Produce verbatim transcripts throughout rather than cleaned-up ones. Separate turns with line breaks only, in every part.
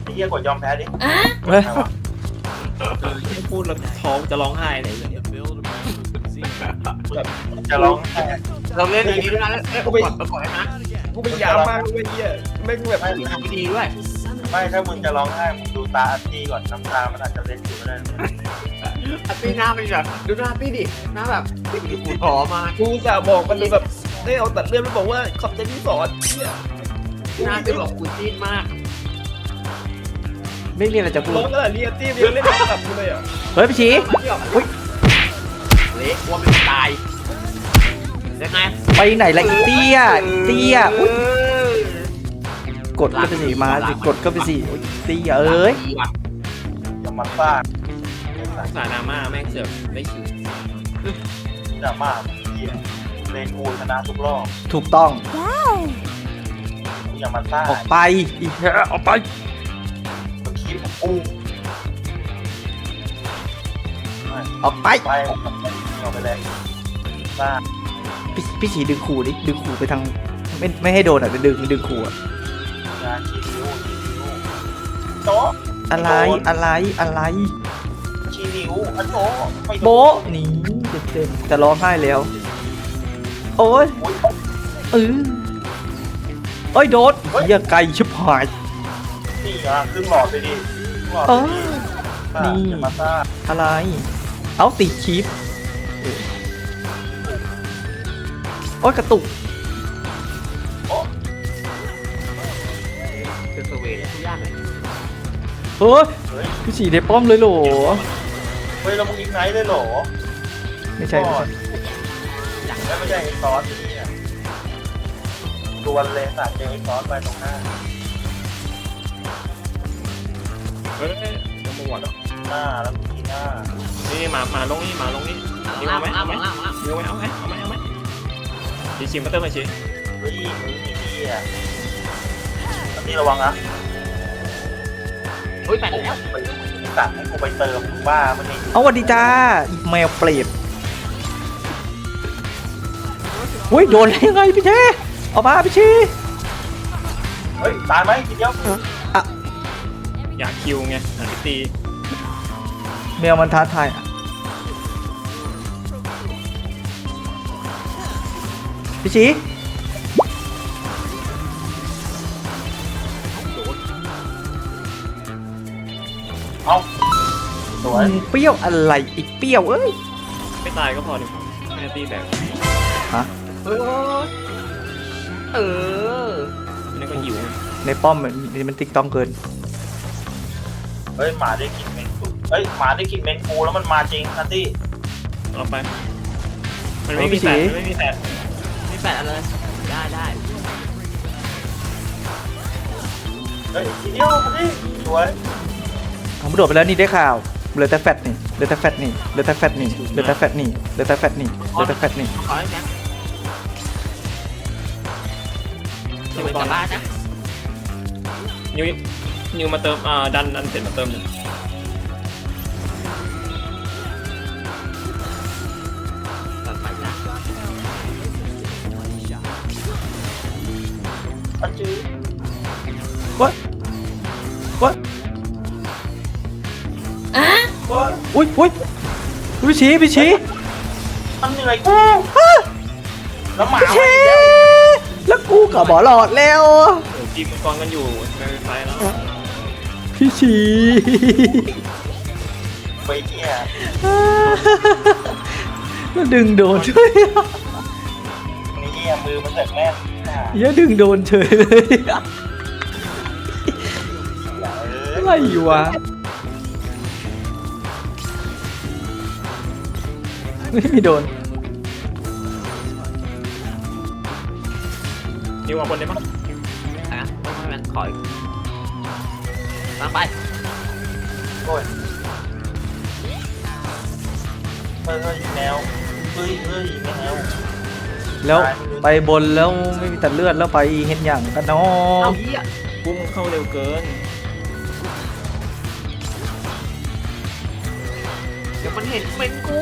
ไอ้เหี้ยกดยอมแพ้ดิ
เฮ้ย
ไม่พูดแล้วท้องจะร้องไห้เลย
จะร้องแพ้
เราเล่นอย่างนี้ด้วยนะเอ้ยกดกดให้นะ
กูไปยามมากเลยเหี้ยไม่งแบบ
ไม่
ทำไม่ดีด้วย
ไม่ถ้ามึงจะร้องไห้มึงดูตาอัตตี้ก่อนน้ำตามันอาจจะเล็ดอยู่ก็ได้
อาร์ตี้หน้าเป็นแบบดูหน้าอาร์ตี้ดิหน้าแบบกูท้อมาก
กูจะบอกมันเลยแบบได้เอาตัดเลือดไปบอกว่าขอบใจที่สอนเหี้ย
หน้าเป็นแบบกูจีนมาก
ไม่มีอะไรจะพูด
ร้องกันแหละเรียตี้เรียนเล่นกลับกูเลยอ่ะ
เฮ้ยพี่ชี
อุ้ยเละกลัวมันตายยังไง
ไปไหนละอีเตี้ยอีเตี้ยอุ๊ยกดก็ไปสิมาสิกดก็ไปสิอุ๊ยเตี้ยเอ้ย
จะมันซ่า
สายดราม่าแม่งเสือกได้คิว
จะมากเหี้ยเลนกูชนะทุกรอบ
ถูกต้อง
มึงอย่ามาซ่า
ออกไปอีเหี้ยออกไป
มึงคิดกู
ออกไป
ไปเอาไปเลยซ่า
พี่พี่ชีดึงขู่ดิดึงขู่ไปทางไม่ไม่ให้โดนอ่ะดึงดึงขู่อ่ะ
งานชี้นิ้วชี้นิ้วโต๊ะ
อะไรอะไรอะไร
ชี้นิ้วอันโต๊ะไม่โดน
โบ๊ะนี่เต็มเต็มจะร้องไห้แล้ว โอ้ย
อุ๊ย
เออโอ้ยโดดเหี้ยไก่ชิบหาย
นี่อ่ะขึ้นหลอดไปดิขึ้นหลอด
เอ
ไป
อ
ดิซ่า
นี่
อย่ามาซ่า
อะไร เอาติดชิปโอ้ยกระตุก
คือสเวททุกอย่างเลย
เฮ้ย
เฮ้ย
พี่ฉีได้ป้อมเลยเหรอ
เฮ้ยเรามึงอีกไนท์เลยเหรอ
ไม่ใช่ไม่ใช่
อย่างนั้นไม่ใช่ไอ้ซอสนี่อ่ะดวลเลยสัตว์เจอไอ้ซอสไปตรงหน้า
เฮ้ยจะมาหวด
หน้าแล้วก็ทีหน้า
นี่มามาลงนี่มาลงนี่นี่เอาไหมเอาไหมเอาไหมเอาไหมเอาไหมเอาไหมเอาไหมชิชิมาเติมมาชิ
เฮ้ยมึงไอ้เหี้ยอันนี้ระวังนะ
เฮ้ยแปดแล้ว
ไปสั่งให้กูไปเติมมึงบ้ามันนี่
เอาสวัสดีจ้าอีแมวเปรตอุ้ยโดนได้ยังไงพี่เชเอามาพี่ชี
เฮ้ยตายไหมทีเดียว
อยากคิวไงหาพิตี
แมวมันท้าทายอ่ะพี่ชี
เอาสวย
มึงเปรี้ยวอะไรอีกเปรี้ยวเอ้ย
ไม่ตายก็พอดิแม่ตีแตก
ฮะ
เออเออนี่ก็หิว
ในป้อมมันมันติ๊กต้องเกิน
เฮ้ยหมาได้กินเมนกูเฮ้ยหมาได้กินเมนกูแล้วมันมาจริงนัตตี้
เอาไปมันไม่มีแฟดไม่มีแฟดไม่แฟดอะไรได้ได้
เฮ้ยทีเดียวมาดิสวย
ผมโดดไปแล้วนี่ได้ข่าวเหลือแต่แฟตนี่เหลือแต่แฟตนี่เหลือแต่แฟตนี่เหลือแต่แฟตนี่เหลือแต่แฟตนี่เหลือแต่แฟตนี่
ขอให้แม็กจะไปต่อบ้านนะนิวนิวมาเติมอ่าดันดันเสร็จมาเติมหนึ่งตัดไปนะ
อันจื้อ
วะวะ
ว่า
อุ้ยอุ้ยพี่ชีพี่ชี
มันเหนื่อยกูแล้วหมา
พี่ชีแล้วกูกับบอหลอดแล้ว
โอ้ทีมมังกรกันอยู่ในไฟแล้ว
พี่ชี
ไปเนี่ย
แล้วดึงโดนช่วย
นี่มือมันเสร็จแม่น
อย่าดึงโดนเฉยเลยอะไรวะไม่มีโดน
นิวเอาบนได้ปะอ่ะต้องให้มันขออีกตามไป
โอ้ยเฮ้ยเฮ้ยแมวเฮ้ยเฮ้ยแมว
แล้วไปบนแล้วไม่มีตัดเลือดแล้วไปเห็นอย่างกันเนาะ
เอาเหี้ยปุ้มเข้าเร็วเกินเดี๋ยวมันเห็นเป็นกู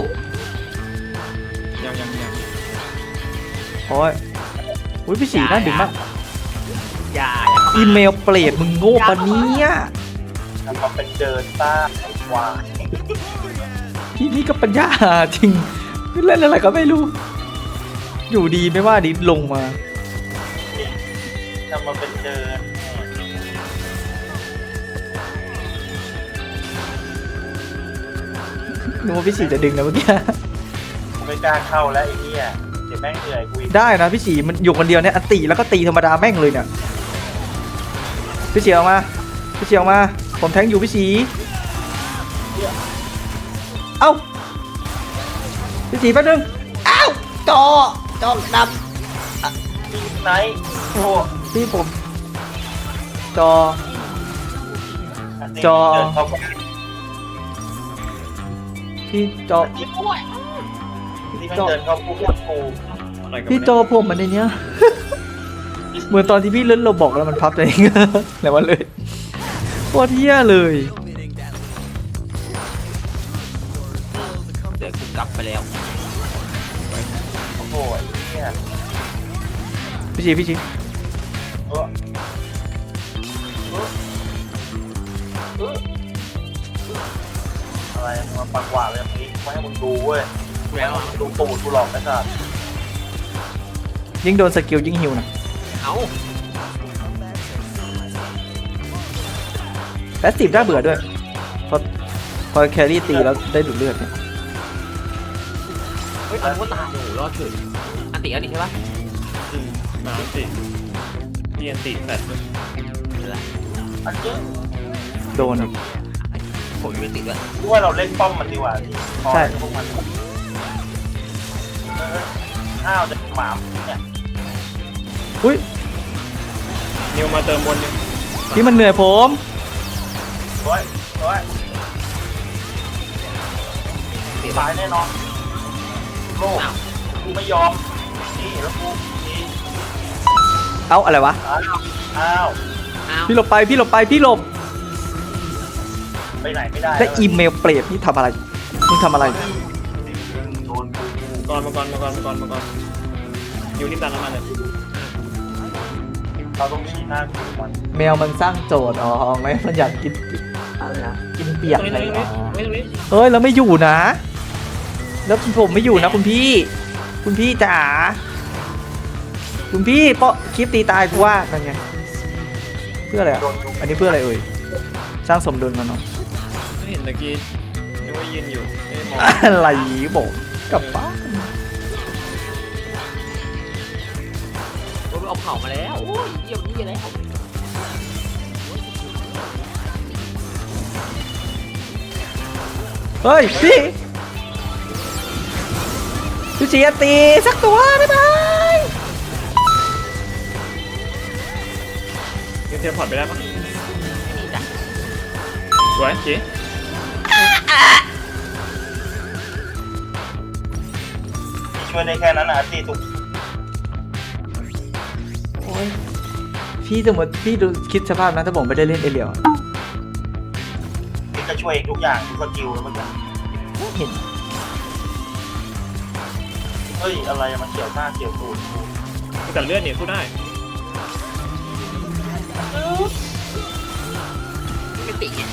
ยังยังยัง
โอ้ยอุ้ยพี่สีน่าดึงมาก
อย่าอย่าเข้า
อีเมลเปรตมึงโง่ปะเนี่ย
ทำมาเป็นเดินต้าไอ้ควาย
พี่นี่ก็ปัญญาจริงเล่นอะไรก็ไม่รู้ อยู่ดีไม่ว่าดิลงมา
ทำมาเป็นเดิน
นึกว่าพี่ฉีจะดึงนะเมื่อกี้
กูไม่กล้าเข้าแล้วไอ้เนี่ยเดี๋ยวแม่งเหนื่อยกูอีก
ได้นะพี่ฉีมันอยู่คนเดียวเนี่ยอันตีแล้วก็ตีธรรมดาแม่งเลยเนี่ยพี่ฉีออกมาพี่ฉีออกมาผมแทงอยู่พี่ฉีเอ้าพี่ฉีแป๊บนึงเอ้าจอจอด
มีไหนโอ้
ำพี่ผมจอ
อันนี้
จอ
เดินเข้าไป
พี่จอ
ที่แม่งเดินเข้าปุ๊บกู
อะไรกัน
พี่จอผมมันในเนี้ย เหมือนตอนที่พี่เล่นเราบอกแล้วมันพับตัวเอง แล้วมันเลยโคตรเหี้ยเลย
เดี๋ยวกูกลับไปแล้ว
โอ้โหไอ้เนี่ย
พี่ชีพี่ชี
เออเออเอออะไรมาปักหวาดเลยเมื่อกี้ไม่ให้มึงดูเว้ยไม่ให้มึงดูตูดกูหลอกไอ้สัส
ยิ่งโดนสกิลยิ่งหิวนะ
เอา
แพสซีฟน่าเบื่อด้วยพอพอแครี่ตีแล้วได้ดูดเลือดเนี่ย
เฮ้ยอันว่าตายโอ้โหรอดเฉยอันติอันนี้ใช่ปะ
อืมมาอันติเรียนติแฟดด้วย
อันนี้
โดนอีก
ผมยังไม่ติดด้วย
กูว่าเราเล่นป้อมมันดีกว่าพี่พอ
ใช่
พวกมันเอออ้าวจะหมามเนี่ย
อุ้ย
นิวมาเติมบนนึง
พี่มันเหนื่อยผม
ร้อยร้อยตายแน่นอนโลกกูไม่ยอมนี่แล้วกูนี่
เอ้าอะไรวะ
อ้าวอ้าว
อ้าว
พี่หลบไปพี่หลบไปพี่หลบ
ไปไหนไม่ได้
และอีเมลเปรตนี่ทำอะไรมึงทำอะไร
โดนกู
ก่อนมาก่อนมาก่อนมาก่อนมาก่อนนิวรีบดันน้ำมันเลย
เราต้องชี้หน้ากูมัน
แมวมันสร้างโจทย์อ๋อไม่มันอยากกินอะไรนะกินเปียก
ตรง
อะไร
นี้ตรงนี้
อ๋อ
ตรงนี้ตรงนี้
เฮ้ยแล้วไม่อยู่นะ แล้วผมไม่อยู่นะคุณพี่ คุณพี่จ๋าคุณพี่เปาะคลิปตีตายกูว่านั่นไงเพื่ออะไรอ่ะ
โดนกู
อันนี้เพื่ออะไรเอ่ยสร้างสมดุลมันเนาะ
ไม่เห็นตะกี้นึกว่ายืนอยู่ไม่ได้มอง
อะไรบอกกลับบ้าน
โอ้ยเอาเผามาแล้วโอ้ยเยี่ยมนี่แล้ว
เฮ้ยพี่พี่เสียตีสักตัวบ๊ายบาย
นิวเทียมพอร์ตไปได้ปะ
นี่จ้ะ
สวยจี
ช่วยได้แค่นั้นนะตีทุก
โอ้ยพี่สมมติพี่ดูคิดสภาพนะถ้าผมไม่ได้เล่นเอเลียว
นี่ก็ช่วยทุกอย่างทุกสกิลแล้วมันจะ
เห็น
เฮ้ยอะไรมันเกี่ยวหน้าเกี่ยวตูดกู
แต่เลือดเนี่ยสู้ได้
ไม่ติดไง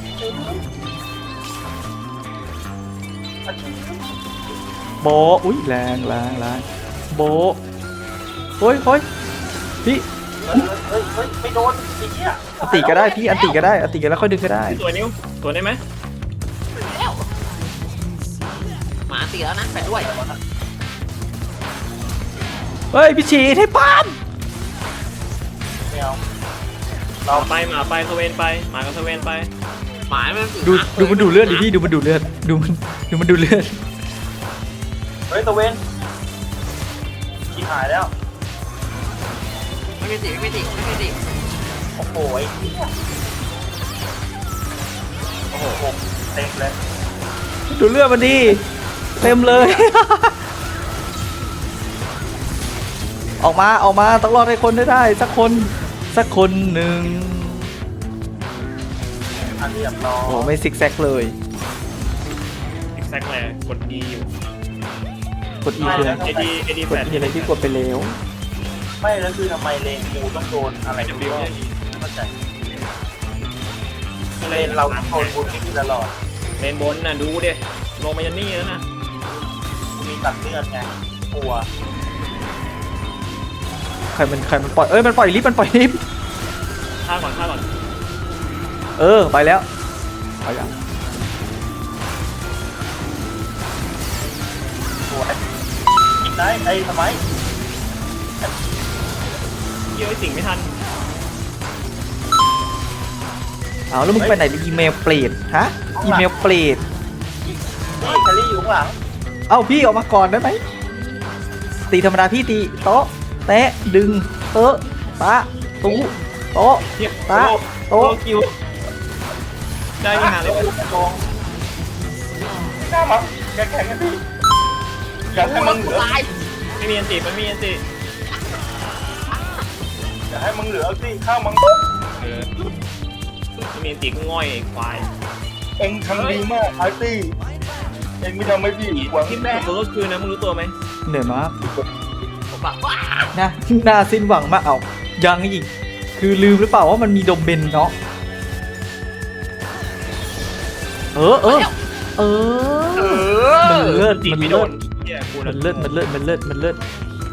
อันนี้
โบะอุ้ยแรงแรงแรงโบะเฮ้ยเฮ้ยพี่
เฮ้ยเฮ้ยเฮ้ยไม่โดนไอ้เหี้ย
อันติก็ได้พี่อันติก็ได้อันติก็แล้วค่อยดึงก็ได้
ตัวนิวตัวได้ไหม
แล้วหมาตีแล้วนะแปดด้วย
เฮ้ยพี่ฉีดให้ป้าม
ไม่เอา
หมาไปหมาไปสเวนไปหมากับสเวนไป
หมามันตี
ดูดูมันดูเลือดดิพี่ดูมันดูเลือดดูมันดูมันดูเลือด
เฮ้ยตะเวนขี้หายแล้ว
ไม่ไม่ติดไม่ติดไม่ติด
โอ้โหไอ้เหี้ยโอ้โหผมเต็มเลย
ดูเลือดมันดีเต็มเลย ออกมาออกมาต้องรอดให้คนได้ได้สักคนสักคนหนึ่ง
อันเรียบร้อย
โอ้ไม่ซิกแซกเลย
อีกแซกแหละกด E อยู่
กดอีคืออะไร
เอดีเอดี
ก
แฟ
ด
ด
อีอะไรที่กดไปแล้ว
ไม่แล้วคือทำไมเลนกูต้องโดนอะไร
จะ
กู
บิว
ก็
เนี่ย
ไม่เข้าใจ
ก็
เล
เลย
นเราต้องโดนบูลลี่ตลอด
เลนบนน่ะดูดิลงมายันนี่แล้วนะ
มีตัดเลือดไงกลัว
ใครมันใครมันปล่อยเอ้ยมันปล่อยลิฟต์มันปล่อยลิฟต์
ฆ่าก่อนฆ่าก่อน
เออไปแล้วไปยัง
สวยยิงได้ไอ้ทำไม
เยี่ยวไอ้สิ่งไม่ทัน
เอาแล้วมึงไปไหนอีเมลเปลี่ยนฮะอีเมลเปลี่ยน
นี่แคลรี่อยู่ข้างหลัง
เอ้าพี่ออกมาก่อนได้ไหมตีธรรมดาพี่ตีโต๊ะแตะดึงเตอะตะตู้โต๊ะ
เทียบ
ตะ
โต๊ะ
โต๊ะ
คิวได้ยังหาเลย
ลงหน้ามันแข็งๆกันพี่อยากให้มึงเหลือ
ตาย
ไม่มีอันติมันไม่มีอันติ
อยากให้มึงเหลือสิข้าวมึง
เออไม่มีอันติก็ง่อยไอ้ควาย
เอ็งทำดีมากอาร์ตี้เอ็งไม่ทำให้พี่หวัง
ที่แม่ตัวก็คือนะมึงรู้ตัวไหม
เหนื่อยมาก
ผมแบบว้า
นะน่าสิ้นหวังมากเอายังอีกคือลืมหรือเปล่าว่ามันมีโดมเบนเนาะเออเออเออมันเลิศ
ติ
มัน
ไม่โด
เลิ
น
ศ
เหี้ยกู
มั
นะ
นเลิศมันเลิศมันเลิศมันเลิศ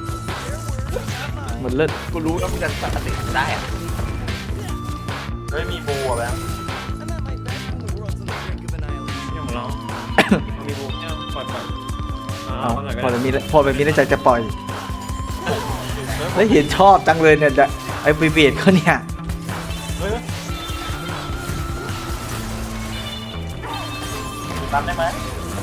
มันเลิศ
กูรู้แล้วมึงจะตัดสินได้อะ
เฮ้ยมีบูอ่ะแบงค์
เนี่ยของเรามีบูเนี่ยปล่อยปล่อย
เอา
เอาหน่อยก็
พอ
ได้
แบบนี้พอแบบนี้ในใจจะปล่อยแล้วเห็นชอบจังเลยเนี่ยไอ้บีเบียดเขาเนี่ย
เฮ้ยตันได้ไหม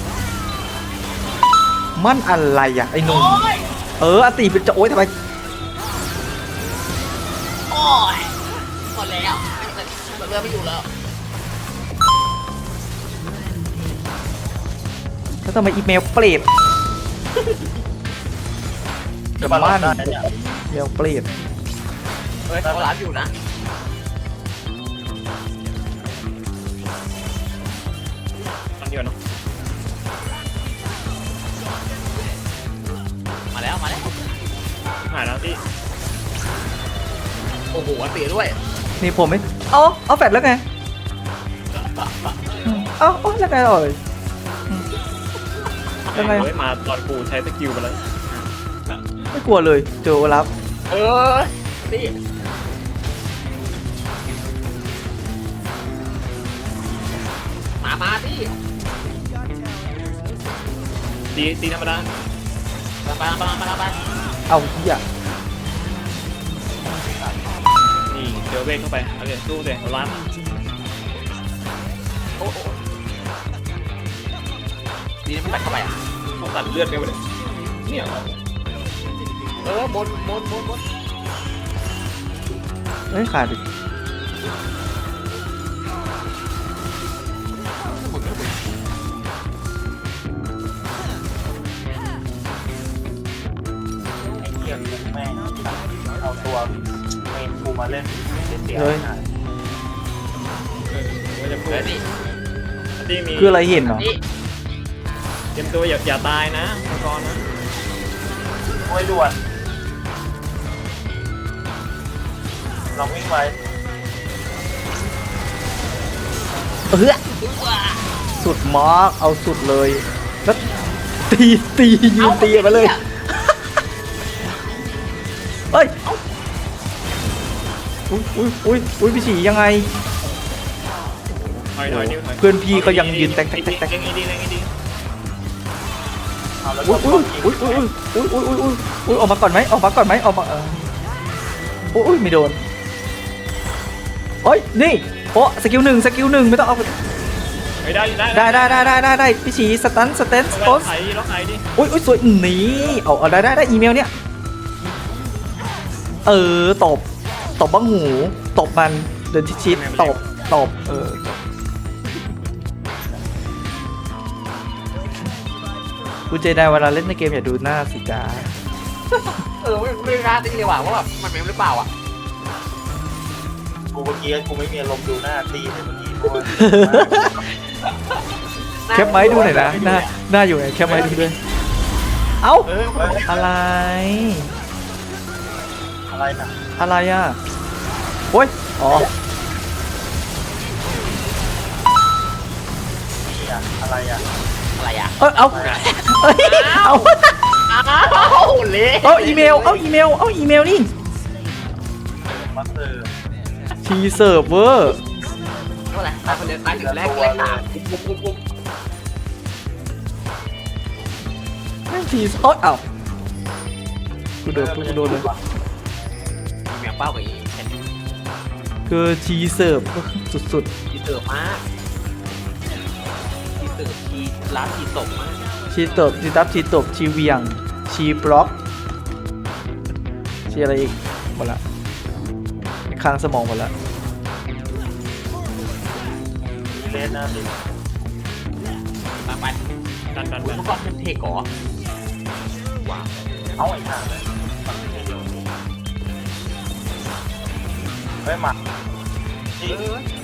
มันอะไรอ่ะไอ้หนุ่มเอออติเป็นจะโอ๊ยทำไม
โอ้ยหมดแล้วไม่เรือไม่อยู่แล้ว
แล้วทำไมอีเมลเปลี่ยน
จะมาล้านได้เนี่ย
เมลเปลี่ยน
เฮ้ยเขาร้านอยู่นะ
ตอนเดียวเนาะ
มาแล้วมาแล้ว
หายแล้วที่
โอ้โหอันตีด้วย
นี่ผมไม่เอาเอาแฟดแล้วไงเอาเอาแล้วไงเอ่ยยังไง
เฮ้ยมาตอนกูใช้สกิลไปแล้ว
ไม่กลัวเลยเจอโอลับ
เออนี่มามาที่
ตีตีธรรมดา
มาไปมาไปมาไป
เอาเหี้ย
นี่เดี๋ยวเวทเข้าไปเอาเลยสู้เลยเอาล้าน
โอ้โหดีนะไม่ตัดเข้าไปอ่ะ
เขาตัดเลือดไปหมดเลยเนี่ย
เออบนบนบนบน
เอ้ยขาดอีก
ไอ้เหี้ยกูแม่งเอาตัวเมนกูมาเล่นเล่นเดียว
เฮ้ย
หาย
เออไม่จะพูด
เฮ้ยนี่
อันที่มี
คืออะไรเห็นเหรอ
นี่
เตรียมตัวอย่าอย่าตายนะมังกรนะ
โอ้ยด่วนลองวิ่งไป
เออสุดมากเอาสุดเลยแล้วตีตียืนตีมาเลยเฮ้ยอุ้ยอุ้ยอุ้ยอุ้ยพี่ฉียังไง
ถอยถอยนิ้วถอย
เพื่อนพี่ก็ยังยืนแตกแตกแตกแตก
เล่งไอ้ดีเล่งไอ้ดี
เอาแล้ว
อุ้
ก็
ยอุ้ยอุ้ยอุ้ยอุ้ยอุ้ยอุ้ยอุ้ยอุ้ยออกมาก่อนไหมออกมาก่อนไหมออกมาเอออุ้ยอุ้ยไม่โดนโอ้ยนี่โอ้สกิลหนึ่งสกิลหนึ่งไม่ต้องเอา
ไม่ได้ได้
ได้ได้ได้ได้ได้ได้พี่ฉีสตันสเตนส
ล็
โต
อก
น
ไถล็อกไถดิ
อุ้ยอุ้ยสวยหนีเอาเอาได้ได้ได้อีเมลเนี่ยเออตบตบบ้างหูตบมันเดินชิดๆตบตบเออคุณเจไดเวลาเล่นในเกมอย่าดูหน้าสิจ้า
เออไม่ไม่กล้าตีเลยว่ะว่าแบบมันเป็นหรือเปล่าอ่ะ
กูเมื่อกี้กูไม่มีอารมณ์ดูหน้าตีเลยเมื่อกี้เพราะว่า
แคปไม้ดูหน่อยนะหน้าหน้าอยู่ไหนแคปไม้ดูด้วยเอ้า
เออ
อะไร
อะไรน่ะ
อะไรอ่ะโอ้ยอ๋อ
นี่อ่ะอะไรอ่ะ
อะไรอ่ะ
เออเอาเอ้ยเอา
อ้าวเละ
เอาอีเมลเอาอีเมลเอาอีเมลนี่
มาเสิร์ฟ
ทีเซิร์ฟเวอร์
เท่าไหร่ตายคนเดียวตายถึงแรกแรกสามปุ๊บปุ๊บปุ๊บ
แม่งทีโอ๊ยเอ้ากูโดนกูโดนเลย
แมวเป้ากับอีแคน
คือทีเซิร์ฟสุด
ทีเติร์มากทีเติร์ทีร้านทีตกมาก
ๆชีตบชีตับชีตบชีเวียงชีบล็อกชีอะไรอีกหมดละค้างสมองหมดละ
เลนนะสิ
มาไป
ดันดัน
คุณ
ดัน
เมื่อก่อนเป็นเทก่อว้าว
เอาไอ้ห่าเลยฝั่งนี้เดียวเฮ้ยหมักจริง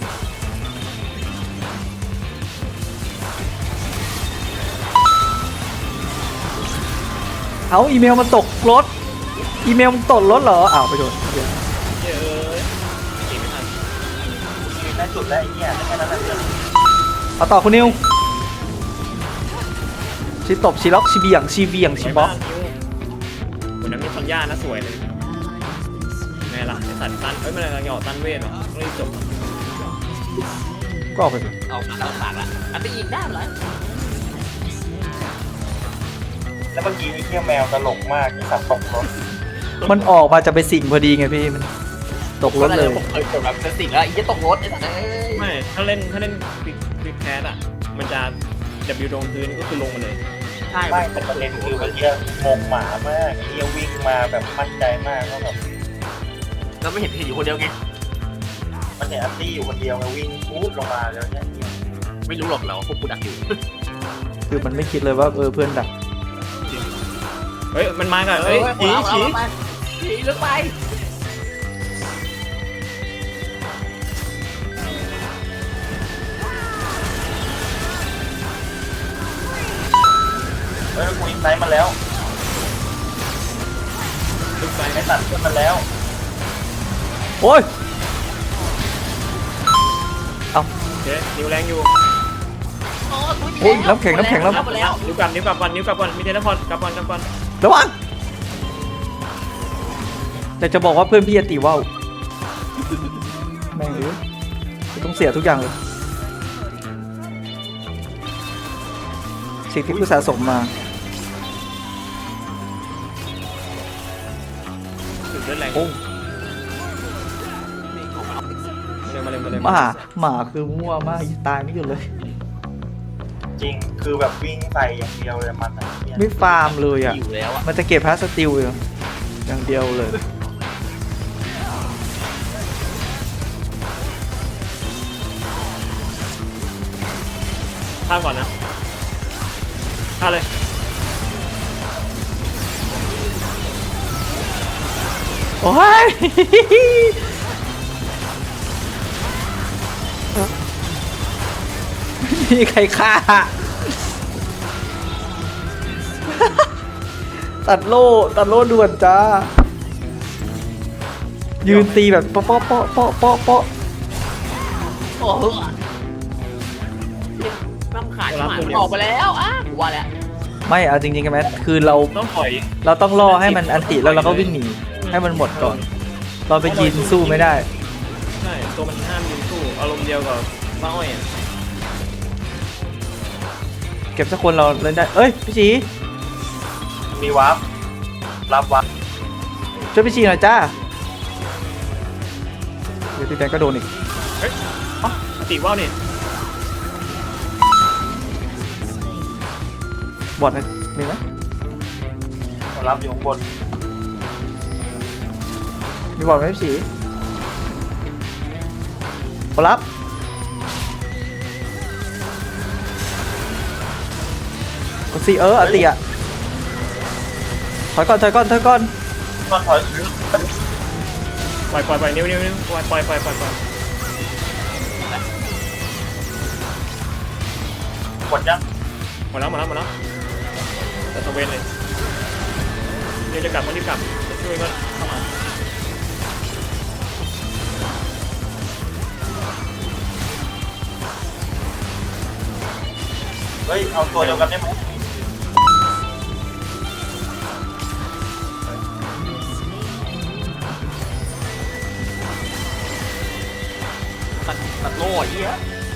เอาอีเมลมันตกรถอีเมลมันตกรถเหรออ้าวไปโดนเดี๋ยว
เย้ยเก่งไม่ทัน
ยืนได้จุดแล้วไอ้เนี่ยได้แค่นั้นแหละ
เอาต่อคุณนิวชีตบชีล็อกชีเบียงชีเบียงชีบล็อก
คนนั้นมีสัญญานะสวยเลยไงล่ะไอสัตว์ตันเอ้ยมันอะไรหยอดตันเวทเหรอรีบจบ
ก็ออกไปสิ
ออกมาแล้วสากละอันไปอีกได้เหรอ
แล้วเมื่อกี้ไอ้เที่ยแมวตลกมากไอ้สัตว์ตกรถ
มันออกมาจะไปสิ่งพอดีไงพี่มันตกรถเลย
ผมเคยกดแบบสิ่งแล้วอีกจะตกรถไอ้สัสเอ้ย
ไม่ถ้าเล่นถ้าเล่นคลิกคลิกแคสอ่ะมันจะ W ลงพื้นก็คือลงมาเลย
ใช่
ไม่แต่ประเด็นคือเมื่อกี้งงหมามากไอ้เที่ยวิ่งมาแบบมั่นใจมากว่าแบบ
แล้วไม่เห็นเห็นอยู่คนเดียวไง
มันเห็นอัตตี้อยู่คนเดียวไงวิ่งพูดลงมาแล้วเนี่ย
ไม่รู้หรอกเราพวกกูดักอยู่
คือมันไม่คิดเลยว่าเออเพื่อนดัก
เฮ้ยมันมากับเฮ้ยฉีฉี
ฉีลึกไป
เฮ้ยกูอินไซต์มาแล้ว
ลึกไป
ไอ้ตัดขึ้นมาแล้ว
โอ้ยเอา
โอเคนิ้วแรงอยู่
โอ้ยน้ำแข็งน้ำแข็งแล้ว
แล้ว
นิ้วกลับนิ้วกลับก่อนนิ้วกลับก่อนมีเทเลพอร์ตกลับก่อนกลับก่อน
ระวังแต่จะบอกว่าเพื่อนพี่อติว่าวแม่งเอ้ยกูต้องเสียทุกอย่างเลยสิ่งที่กูสะสมมา
สุดเลือดแรง
โอ้
มาเลยมาเลย
ห
มา
มา
เลย
หมาคือมั่วมากตายไม่หยุดเลย
จริงคือแบบวิ่งใส่อย่างเดียวเลยมันอะเนี่ย
ไม่ฟาร์มเลยอ่ะ
อยู่แล้วอ่ะ
มันจะเก็บพาสติลอยู่อย่างเดียวเลย
ข้ามก่อนนะข้ามเลย
โอ้ย ไม่มีใครฆ่า ตัดโล่ตัดโล่ด่วนจ้า ยืนตีแบบเปาะเปาะเปาะเปาะเปาะเปาะ
โอ้โหน้ำขาดหมาออกไปแล้วอ่ะกูว่าแล้ว
ไม่เอาจริงๆกันไหมคือเรา
ต้องถอย
เราต้องรอให้มันอันติแล้วเราก็วิ่งหนีให้มันหมดก่อน เราไปยืนสู้ไม่ได้
ใช่ตัวมันห้ามยืนสู้อารมณ์เดียวกับป้าอ้อยอ่ะ
เก็บสักคนเราเล่นได้ เอ้ยพี่ชี
มีวาร์ปรับวาร์ป
ช่วยพี่ชีหน่อยจ้า เดี๋ยวพี่แบงค์ก็โดนอีก
เฮ้ยอ๋อติว่าวนี่
บอดนะมีไหม
รับอยู่ข้างบน
มีบอดไหมพี่ชีขอรับกดซีเอออันติอ่ะถอยก่อนถอยก่อนถอยก่อน
ก็ถอย
ปล่อยปล่อยปล่อยนิ้วนิ้วนิ้วปล่อยปล่อยปล่อยปล่อยปล่อย
กดยัง
หมดแล้วหมดแล้วหมดแล้วแต่ตะเวนเลยเดี๋ยวจะกลับมารีบกลับจะช่วยก็เข้ามา
ฮ้ยเอาตัวเดียวกันได้ไหม
ตัดตัดโล่ไอ้เหี้ย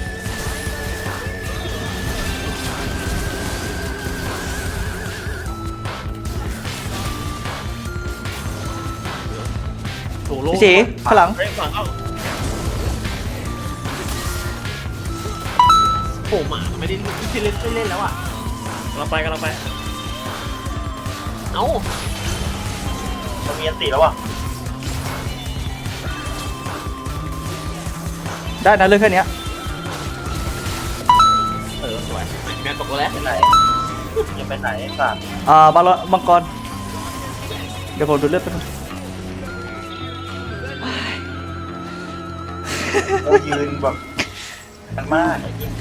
โหโล่
พี่สีข้างหลัง
เฮ้ยฝั่งเข้า
โหหมาไม่ได้ไม่เล่นไม่เล่นแล้วอ่ะ
กำลังไปกำลังไป
เอ้า
มันมีอันตีแล้วว่ะ
ได้นะเรื่องแค่เนี้ย
เออสวยแมนตกตัวแล้ว
ไปไหนยังไปไหนไอ้สัตว์
อ่าบาลอนมังกรเดี๋ยวผมดูเลือดไปบนึง
เรายืนแบบกันมากไอ้ยิ่ง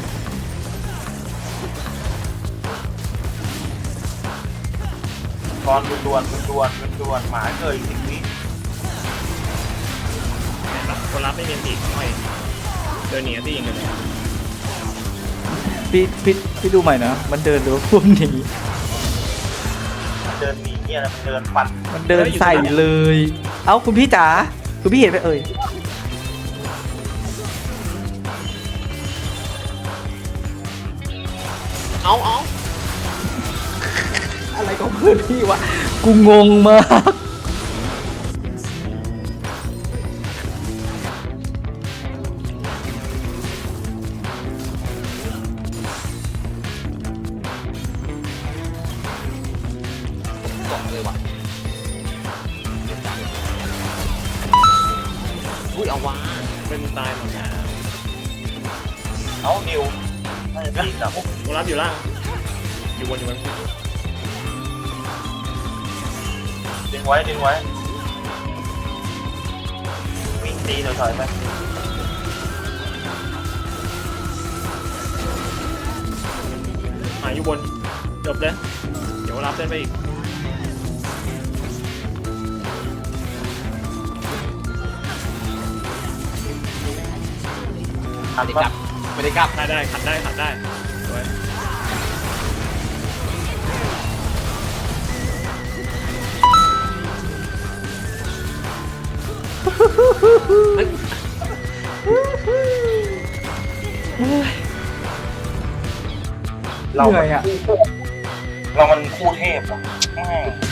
ตอนดวนๆดวนๆดวนๆหมาเกิดอีกสิบวิ
เห็นปะคนรับไม่มีอันติไม่เดินหนีอันติยิงกันเลย
พี่พี่พี่ดูใหม่นะมันเดินหรือว่าพวกหนี
มันเดินหนีเนี่ยนะมันเดินฟัน
มันเดินใส่เลย เอ้าคุณพี่จ๋าคุณพี่เห็นไปเอ่ย
เอาเอา
อะไรของเพื่อนพี่วะกูงงมาก
บอกเลยว่ะอุ้ยเอาวะ
เป็นตายหมดแล้ว
เอานิวน่าจะตีกับ
คนรับอยู่ล่างอยู่บนอยู่บน
ดึงไว้ดึงไว้วิ่งตีถอยๆไป
หายอยู่บนจบเลยเดี๋ยวรับเส้นไปอีก
ทัน
ไม่ได้
ปะ
กลับไม่ได้กลับ
ได้ได้ขัดได้ขัดได้สวย
เฮ้ย
เรา
เหนื่อยอ่ะ
เรามันคู่เทพเหรอแม่ง